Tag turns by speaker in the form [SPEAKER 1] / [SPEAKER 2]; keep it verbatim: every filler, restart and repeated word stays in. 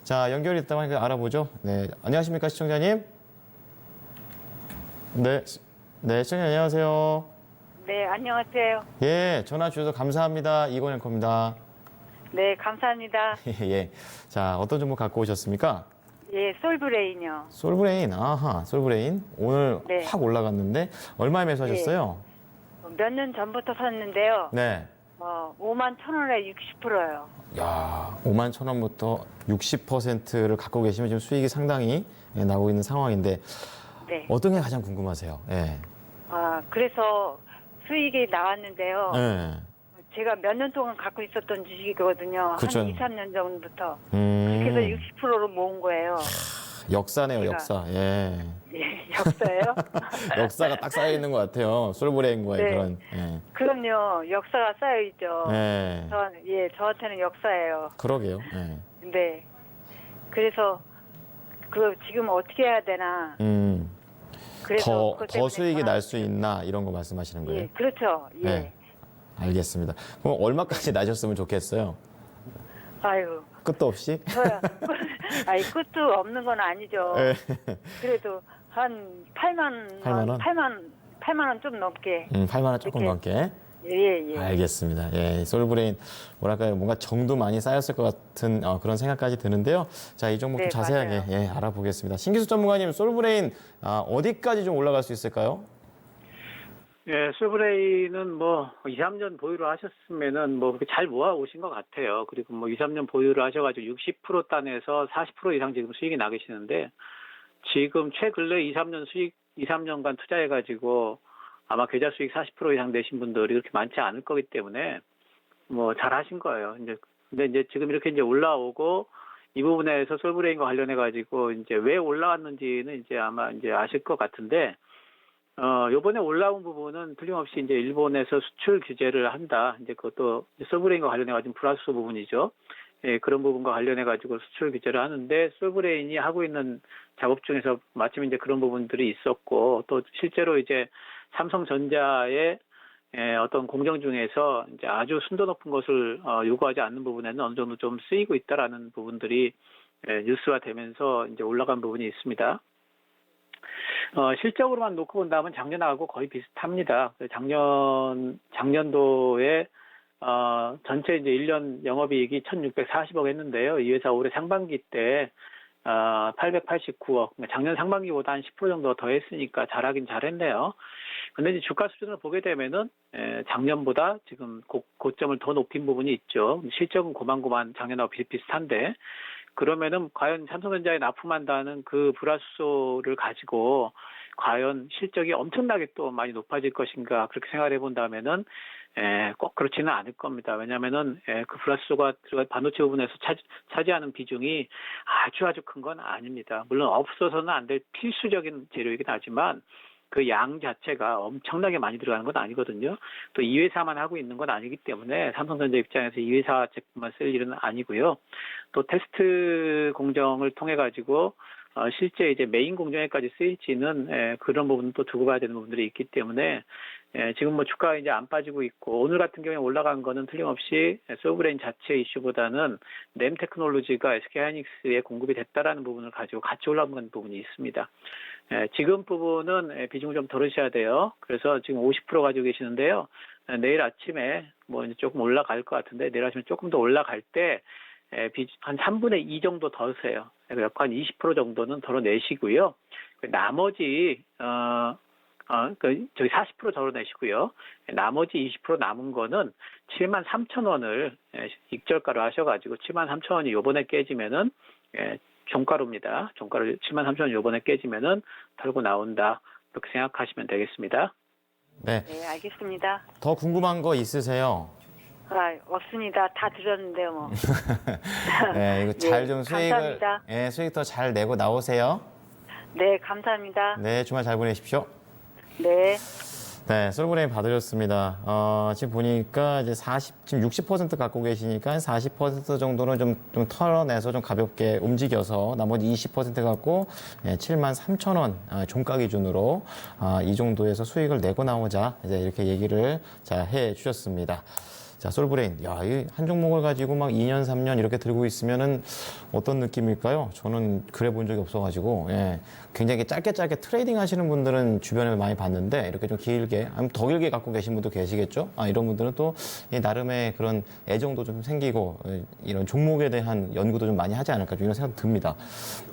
[SPEAKER 1] 자, 연결이 됐다고 하니까 알아보죠. 네, 안녕하십니까, 시청자님? 네, 시- 네, 시청자 안녕하세요.
[SPEAKER 2] 네, 안녕하세요.
[SPEAKER 1] 예, 전화 주셔서 감사합니다. 이건영 겁니다.
[SPEAKER 2] 네, 감사합니다.
[SPEAKER 1] 예, 자, 어떤 정보 갖고 오셨습니까?
[SPEAKER 2] 예, 솔브레인요.
[SPEAKER 1] 솔브레인, 아하, 솔브레인. 오늘
[SPEAKER 2] 네.
[SPEAKER 1] 확 올라갔는데, 얼마에 매수하셨어요?
[SPEAKER 2] 몇 년 전부터 샀는데요.
[SPEAKER 1] 네.
[SPEAKER 2] 어, 오만 천 원에 육십 퍼센트요.
[SPEAKER 1] 야, 오만 천 원부터 육십 퍼센트를 갖고 계시면 지금 수익이 상당히 예, 나오고 있는 상황인데,
[SPEAKER 2] 네.
[SPEAKER 1] 어떤 게 가장 궁금하세요? 예.
[SPEAKER 2] 아, 그래서 수익이 나왔는데요.
[SPEAKER 1] 예.
[SPEAKER 2] 제가 몇 년 동안 갖고 있었던 주식이거든요.
[SPEAKER 1] 그쵸.
[SPEAKER 2] 한 이, 삼 년 전부터.
[SPEAKER 1] 음,
[SPEAKER 2] 그렇게 해서 육십 퍼센트로 모은 거예요.
[SPEAKER 1] 역사네요,
[SPEAKER 2] 제가-
[SPEAKER 1] 역사. 예.
[SPEAKER 2] 예, 역사예요?
[SPEAKER 1] 역사가 딱 쌓여 있는 것 같아요. 솔브레인과의
[SPEAKER 2] 네.
[SPEAKER 1] 그런. 예.
[SPEAKER 2] 그럼요. 역사가 쌓여있죠.
[SPEAKER 1] 예.
[SPEAKER 2] 저, 예, 저한테는 역사예요.
[SPEAKER 1] 그러게요. 예.
[SPEAKER 2] 네. 그래서 그 지금 어떻게 해야 되나.
[SPEAKER 1] 음.
[SPEAKER 2] 그래서
[SPEAKER 1] 더,
[SPEAKER 2] 그것
[SPEAKER 1] 더
[SPEAKER 2] 때문에
[SPEAKER 1] 수익이
[SPEAKER 2] 전화-
[SPEAKER 1] 날 수 있나 이런 거 말씀하시는 거예요?
[SPEAKER 2] 예, 그렇죠. 예.
[SPEAKER 1] 네. 알겠습니다. 그럼 얼마까지 나셨으면 좋겠어요?
[SPEAKER 2] 아유,
[SPEAKER 1] 끝도 없이?
[SPEAKER 2] 저야. 아니 끝도 없는 건 아니죠.
[SPEAKER 1] 예.
[SPEAKER 2] 그래도 한 팔만
[SPEAKER 1] 팔만 원?
[SPEAKER 2] 팔만 팔만 원 좀 넘게.
[SPEAKER 1] 음, 팔만 원 조금
[SPEAKER 2] 이렇게.
[SPEAKER 1] 넘게.
[SPEAKER 2] 예, 예.
[SPEAKER 1] 알겠습니다. 예, 솔브레인 뭐랄까요, 뭔가 정도 많이 쌓였을 것 같은 어, 그런 생각까지 드는데요. 자, 이 종목 좀
[SPEAKER 2] 네,
[SPEAKER 1] 자세하게
[SPEAKER 2] 맞아요.
[SPEAKER 1] 예, 알아보겠습니다. 신기수 전문가님, 솔브레인 아, 어디까지 좀 올라갈 수 있을까요?
[SPEAKER 3] 예, 솔브레인은 뭐 이, 삼 년 보유를 하셨으면은 뭐 그렇게 잘 모아 오신 것 같아요. 그리고 뭐 이, 삼 년 보유를 하셔가지고 육십 퍼센트 단에서 사십 퍼센트 이상 지금 수익이 나 계시는데 지금 최근래 이, 삼 년 수익, 이, 삼 년간 투자해가지고 아마 계좌 수익 사십 퍼센트 이상 내신 분들이 그렇게 많지 않을 거기 때문에 뭐 잘 하신 거예요. 이제 근데 이제 지금 이렇게 이제 올라오고 이 부분에서 솔브레인과 관련해가지고 이제 왜 올라왔는지는 이제 아마 이제 아실 것 같은데 어, 요번에 올라온 부분은 틀림없이 이제 일본에서 수출 규제를 한다. 이제 그것도 솔브레인과 관련해가지고 플러스 부분이죠. 예, 그런 부분과 관련해가지고 수출 규제를 하는데 솔브레인이 하고 있는 작업 중에서 마침 이제 그런 부분들이 있었고 또 실제로 이제 삼성전자의 예, 어떤 공정 중에서 이제 아주 순도 높은 것을 어, 요구하지 않는 부분에는 어느 정도 좀 쓰이고 있다라는 부분들이 예, 뉴스화 되면서 이제 올라간 부분이 있습니다. 어, 실적으로만 놓고 본다면 작년하고 거의 비슷합니다. 작년, 작년도에, 어, 전체 이제 일 년 영업이익이 천육백사십억 했는데요. 이 회사 올해 상반기 때, 어, 팔백팔십구억. 작년 상반기보다 한 십 퍼센트 정도 더 했으니까 잘하긴 잘했네요. 근데 이제 주가 수준을 보게 되면은, 에, 작년보다 지금 고, 고점을 더 높인 부분이 있죠. 실적은 고만고만 작년하고 비슷비슷한데, 그러면은 과연 삼성전자에 납품한다는 그 불화수소를 가지고 과연 실적이 엄청나게 또 많이 높아질 것인가 그렇게 생각해 본다면은 에, 꼭 그렇지는 않을 겁니다. 왜냐하면은 에, 그 불화수소가 들어간 반도체 부분에서 차지, 차지하는 비중이 아주 아주 큰 건 아닙니다. 물론 없어서는 안 될 필수적인 재료이긴 하지만 그 양 자체가 엄청나게 많이 들어가는 건 아니거든요. 또 이 회사만 하고 있는 건 아니기 때문에 삼성전자 입장에서 이 회사 제품만 쓸 일은 아니고요. 또 테스트 공정을 통해 가지고 어, 실제 이제 메인 공정에까지 쓰일지는 에, 그런 부분은 또 두고 봐야 되는 부분들이 있기 때문에 에, 지금 뭐 주가가 이제 안 빠지고 있고 오늘 같은 경우에 올라간 거는 틀림없이 솔브레인 자체 이슈보다는 램 테크놀로지가 에스케이하이닉스에 공급이 됐다라는 부분을 가지고 같이 올라간 부분이 있습니다. 에, 지금 부분은 에, 비중을 좀 덜으셔야 돼요. 그래서 지금 오십 퍼센트 가지고 계시는데요. 에, 내일 아침에 뭐 이제 조금 올라갈 것 같은데 내일 아침에 조금 더 올라갈 때 에, 비, 한 삼분의 이 정도 덜으세요. 약 한 이십 퍼센트 정도는 덜어내시고요. 나머지 어, 어, 그, 저기 사십 퍼센트 덜어내시고요. 나머지 이십 퍼센트 남은 거는 칠만 삼천 원을 익절가로 하셔가지고 칠만 삼천 원이 요번에 깨지면은 예, 종가로입니다. 종가로 칠만 삼천 원 요번에 깨지면은 털고 나온다. 그렇게 생각하시면 되겠습니다.
[SPEAKER 1] 네.
[SPEAKER 2] 네, 알겠습니다.
[SPEAKER 1] 더 궁금한 거 있으세요?
[SPEAKER 2] 아, 없습니다. 다 들었는데요, 뭐.
[SPEAKER 1] 네, 이거 잘 좀
[SPEAKER 2] 네,
[SPEAKER 1] 수익을,
[SPEAKER 2] 감사합니다.
[SPEAKER 1] 예, 수익 더 잘 내고 나오세요.
[SPEAKER 2] 네, 감사합니다.
[SPEAKER 1] 네, 주말 잘 보내십시오.
[SPEAKER 2] 네.
[SPEAKER 1] 네, 솔브레인 받으셨습니다. 어, 지금 보니까 이제 사십, 지금 육십 퍼센트 갖고 계시니까 사십 퍼센트 정도는 좀, 좀 털어내서 좀 가볍게 움직여서 나머지 이십 퍼센트 갖고 예, 칠만 삼천 원 아, 종가 기준으로 아, 이 정도에서 수익을 내고 나오자 이제 이렇게 얘기를 자, 해 주셨습니다. 자, 솔브레인. 야, 이 한 종목을 가지고 막 이 년, 삼 년 이렇게 들고 있으면은 어떤 느낌일까요? 저는 그래 본 적이 없어가지고, 예. 굉장히 짧게 짧게 트레이딩 하시는 분들은 주변에 많이 봤는데, 이렇게 좀 길게, 아니면 더 길게 갖고 계신 분도 계시겠죠? 아, 이런 분들은 또, 이 나름의 그런 애정도 좀 생기고, 예, 이런 종목에 대한 연구도 좀 많이 하지 않을까, 좀 이런 생각 듭니다.